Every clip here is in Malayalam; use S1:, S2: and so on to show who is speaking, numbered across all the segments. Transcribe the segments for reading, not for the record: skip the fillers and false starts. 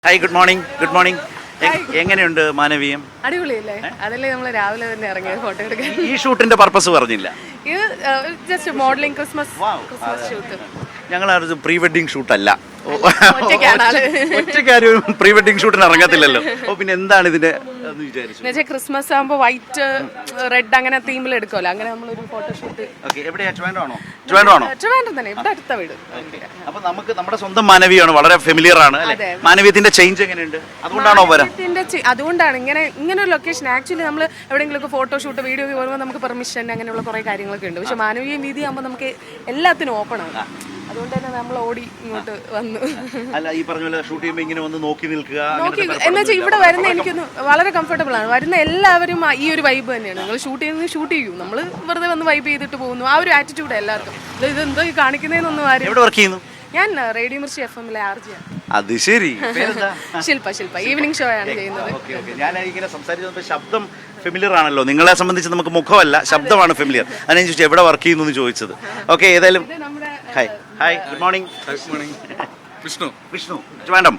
S1: Hi good morning good morning എങ്ങനെയുണ്ട് മാനവീയം?
S2: അടിപൊളിയല്ലേ? അതല്ലേ നമ്മൾ രാവിലെ തന്നെ ഇറങ്ങിയത് ഫോട്ടോ എടുക്കാൻ.
S1: ഈ ഷൂട്ടിന്റെ പർപ്പസ് പറഞ്ഞില്ല.
S2: ഇത് ജസ്റ്റ് മോഡലിംഗ് ക്രിസ്മസ് ഷൂട്ട്.
S1: ഞങ്ങൾ പ്രീ വെഡിങ് ഷൂട്ടല്ല,
S2: ഒറ്റയ്ക്കാണ്
S1: ഒറ്റക്കാരും പ്രീ വെഡിങ് ഷൂട്ടിന് ഇറങ്ങത്തില്ലല്ലോ. ഓ പിന്നെ എന്താണ് ഇതിന്റെ വിചാരിച്ചു?
S2: ക്രിസ്മസ് ആകുമ്പോൾ വൈറ്റ് റെഡ് അങ്ങനെ തീമിൽ എടുക്കുമല്ലോ, അങ്ങനെ നമ്മളൊരു ഫോട്ടോഷൂട്ട്. ട്രിവാൻഡ്രം തന്നെ, ഇവിടെ അടുത്ത വീട്.
S1: അപ്പൊ നമുക്ക് നമ്മുടെ സ്വന്തം മാനവീയമാണ്, വളരെ ഫെമിലിയർ ആണ്. മാനവീയത്തിന്റെ ചേഞ്ച് എങ്ങനെയുണ്ട്? അതുകൊണ്ടാണോ
S2: അതുകൊണ്ടാണ് ഇങ്ങനെ ഒരു ലൊക്കേഷൻ. ആക്ച്വലി നമ്മൾ എവിടെയെങ്കിലും ഫോട്ടോഷൂട്ട് വീഡിയോ പോകുമ്പോൾ നമുക്ക് പെർമിഷൻ അങ്ങനെയുള്ള കുറെ കാര്യങ്ങളൊക്കെ ഉണ്ട്. പക്ഷെ മാനവീയ വീതി ആകുമ്പോൾ നമുക്ക് എല്ലാത്തിനും ഓപ്പൺ ആണ്. അതുകൊണ്ട് തന്നെ നമ്മൾ ഓടി ഇങ്ങോട്ട് വന്നു.
S1: അല്ല, ഈ പറഞ്ഞ പോലെ ഷൂട്ട് ചെയ്യുമ്പോൾ ഇങ്ങനെ വന്ന് നോക്കി നിൽക്കുക
S2: എന്ന് വെച്ചാൽ ഇവിടെ വരുന്ന എനിക്കൊന്ന് വളരെ കംഫർട്ടബിൾ ആണ്. വരുന്ന എല്ലാവരും ഈ ഒരു വൈബ് തന്നെയാണ്. നിങ്ങൾ ഷൂട്ട് ചെയ്യും, നമ്മൾ വെറുതെ വന്ന് വൈബ് ചെയ്തിട്ട് പോകുന്നു. ആ ഒരു ആറ്റിറ്റ്യൂഡ് എല്ലാവർക്കും. ഇതെന്തോ കാണിക്കുന്നതെന്നൊന്നും ആരും. ഞാൻ റേഡിയോ മിർച്ചി FM-ലെ RJ.
S1: അത് ശരി.
S2: ശില്പ ഈവനിങ് ഷോ ആണ് ചെയ്യുന്നത്.
S1: ഞാൻ ഇങ്ങനെ സംസാരിച്ചപ്പോൾ ശബ്ദം ഫെമിലിയർ ആണല്ലോ. നിങ്ങളെ സംബന്ധിച്ച് നമുക്ക് മുഖമല്ല, ശബ്ദമാണ് ഫെമിലിയർ. അതിനെ ചോദിച്ചാൽ എവിടെ വർക്ക് ചെയ്യുന്നു എന്ന് ചോദിച്ചത്. ഓക്കെ, ഏതായാലും hi good morning. Vishnu Trivandrum.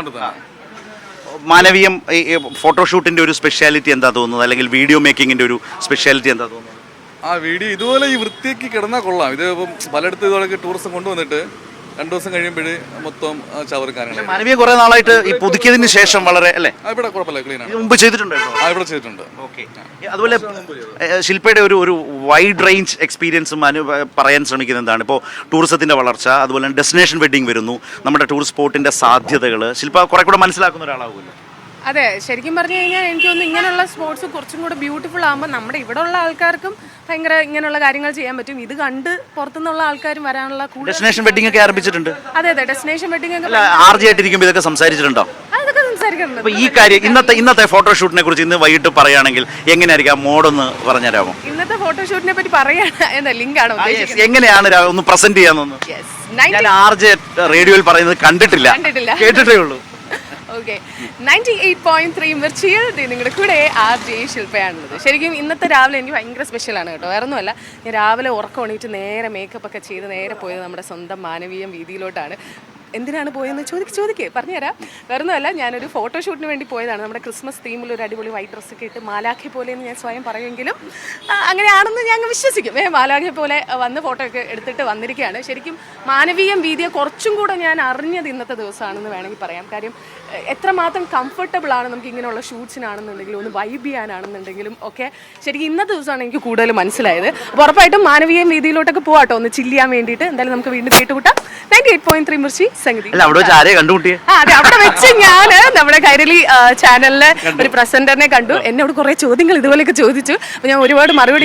S1: Manaveeyam ഫോട്ടോഷൂട്ടിന്റെ ഒരു സ്പെഷ്യാലിറ്റി എന്താ തോന്നുന്നത്, അല്ലെങ്കിൽ വീഡിയോ മേക്കിങ്ങിന്റെ ഒരു സ്പെഷ്യാലിറ്റി എന്താ തോന്നുന്നത്?
S3: ആ വീഡിയോ ഇതുപോലെ ഈ വൃത്തിയാക്കി കിടന്നാൽ കൊള്ളാം. ഇത് ഇപ്പം പലയിടത്തും ഇതുപോലെ ടൂറിസം കൊണ്ടുവന്നിട്ട് 2 ദിവസം കഴിയുമ്പോഴേ മൊത്തം ചവറുകാരങ്ങൾ.
S1: മാനവീയ കുറെ നാളായിട്ട് ഈ പുതുക്കിയതിന് ശേഷം വളരെ അല്ലേ?
S3: ഇവിടെ കുഴപ്പമില്ല, ക്ലീൻ ആണ്.
S1: മുമ്പ് ചെയ്തിട്ടുണ്ടോ?
S3: ഇവിടെ ചെയ്തിട്ടുണ്ട്.
S1: ഓക്കെ. അതുപോലെ ശില്പയുടെ ഒരു വൈഡ് റേഞ്ച് എക്സ്പീരിയൻസും പറയാൻ ശ്രമിക്കുന്നത് എന്താണ്? ഇപ്പോൾ ടൂറിസത്തിന്റെ വളർച്ച, അതുപോലെ ഡെസ്റ്റിനേഷൻ വെഡിങ് വരുന്നു, നമ്മുടെ ടൂറിസ്റ്റ് സ്പോട്ടിന്റെ സാധ്യതകൾ ശില്പ കുറെ കൂടെ മനസ്സിലാക്കുന്ന ഒരാളാവുമല്ലോ.
S2: അതെ, ശരിക്കും പറഞ്ഞു കഴിഞ്ഞാൽ എനിക്ക് തോന്നുന്നു ഇങ്ങനെയുള്ള സ്പോർട്സ് കുറച്ചും കൂടെ ബ്യൂട്ടിഫുൾ ആകുമ്പോൾ നമ്മുടെ ഇവിടെ ഉള്ള ആൾക്കാർക്കും ഭയങ്കര ഇങ്ങനെയുള്ള കാര്യങ്ങൾ ചെയ്യാൻ പറ്റും. ഇത് കണ്ട് പുറത്തുനിന്നുള്ള ആൾക്കാരും വരാനുള്ള
S1: ഡെസ്റ്റിനേഷൻ വെഡിങ് ഒക്കെ ആരംഭിച്ചിട്ടുണ്ട്.
S2: അതെ, ഡെസ്റ്റിനേഷൻ വെഡിങ് ഒക്കെ
S1: RJ ആയിട്ടിരിക്കുമ്പോൾ ഇതൊക്കെ സംസാരിച്ചിട്ടുണ്ടോ?
S2: അതൊക്കെ സംസാരിക്കുന്നുണ്ട്.
S1: അപ്പൊ ഈ കാര്യം ഇന്നത്തെ ഫോട്ടോഷൂട്ടിനെ കുറിച്ച് ഇന്ന് വൈകിട്ട് പറയുകയാണെങ്കിൽ എങ്ങനെയായിരിക്കും ആ മോഡൊന്ന് പറഞ്ഞുതരാമോ?
S2: ഇന്നത്തെ ഫോട്ടോഷൂട്ടിനെ പറ്റി പറയാൻ ലിങ്ക് ആണോ?
S1: എങ്ങനെയാണ് ഒന്ന് പ്രസന്റ് ചെയ്യാന്നൊന്ന്? ഞാൻ RJ റേഡിയോയിൽ പറയുന്നത് കണ്ടിട്ടില്ല, കേട്ടിട്ടേ ഉള്ളൂ.
S2: ഓക്കെ, 98.3 മിർച്ചിയിൽ നിങ്ങളുടെ കൂടെ RJ ശില്പയാണുള്ളത്. ശരിക്കും ഇന്നത്തെ രാവിലെ എനിക്ക് ഭയങ്കര സ്പെഷ്യലാണ് കേട്ടോ. വേറെ ഒന്നുമല്ല, ഞാൻ രാവിലെ ഉറക്കം എണീറ്റ് നേരെ മേക്കപ്പ് ഒക്കെ ചെയ്ത് നേരെ പോയത് നമ്മുടെ സ്വന്തം മാനവീയം വീതിയിലോട്ടാണ്. എന്തിനാണ് പോയെന്ന് ചോദിക്കേ പറഞ്ഞുതരാം. വേറൊന്നുമല്ല, ഞാനൊരു ഫോട്ടോഷൂട്ടിന് വേണ്ടി പോയതാണ്. നമ്മുടെ ക്രിസ്മസ് തീമിൽ ഒരു അടിപൊളി വൈറ്റ് ഡ്രസ്സൊക്കെ ഇട്ട് മാലാഖെ പോലെ എന്ന് ഞാൻ സ്വയം പറയുമെങ്കിലും അങ്ങനെയാണെന്ന് ഞാൻ വിശ്വസിക്കും. മാലാഖെ പോലെ വന്ന് ഫോട്ടോ ഒക്കെ എടുത്തിട്ട് വന്നിരിക്കുകയാണ്. ശരിക്കും മാനവീയം വീതിയെ കുറച്ചും കൂടെ ഞാൻ അറിഞ്ഞത് ഇന്നത്തെ ദിവസമാണെന്ന് വേണമെങ്കിൽ പറയാം. കാര്യം എത്രമാത്രം കംഫർട്ടബിൾ ആണ് നമുക്ക് ഇങ്ങനെയുള്ള ഷൂട്ട്സിനാണെന്നുണ്ടെങ്കിലും ഒന്ന് വൈബ് ചെയ്യാനാണെന്നുണ്ടെങ്കിലും ഒക്കെ ശരിക്കും ഇന്നത്തെ ദിവസമാണ് എനിക്ക് കൂടുതൽ മനസ്സിലായത്. അപ്പോൾ ഉറപ്പായിട്ടും മാനവീയം വീതിയിലോട്ടൊക്കെ പോകാട്ടോ, ഒന്ന് ചില്ല് ചെയ്യാൻ വേണ്ടിയിട്ട്. എന്തായാലും നമുക്ക് വീണ്ടും കേട്ടുകൂട്ടാം. 98.3 മിർച്ചി സംഗതി. അതെ, അവിടെ വെച്ച് ഞാൻ നമ്മുടെ കൈരളി ചാനലിലെ ഒരു പ്രസന്ററിനെ കണ്ടു. എന്നോട് കുറെ ചോദ്യങ്ങൾ ഇതുപോലെയൊക്കെ ചോദിച്ചു. അപ്പൊ ഞാൻ ഒരുപാട് മറുപടി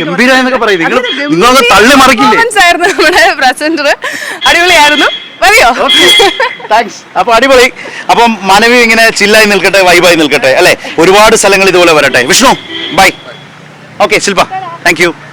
S2: ആയിരുന്നു. നമ്മുടെ പ്രസന്റർ അടിപൊളിയായിരുന്നു. മതിയോ?
S1: അപ്പൊ അടിപൊളി. അപ്പം മാനവീയ ഇങ്ങനെ ചില്ലായി നിൽക്കട്ടെ, വൈബായി നിൽക്കട്ടെ അല്ലെ. ഒരുപാട് സ്ഥലങ്ങൾ ഇതുപോലെ വരട്ടെ. Vishnu bye. Okay Shilpa, thank U.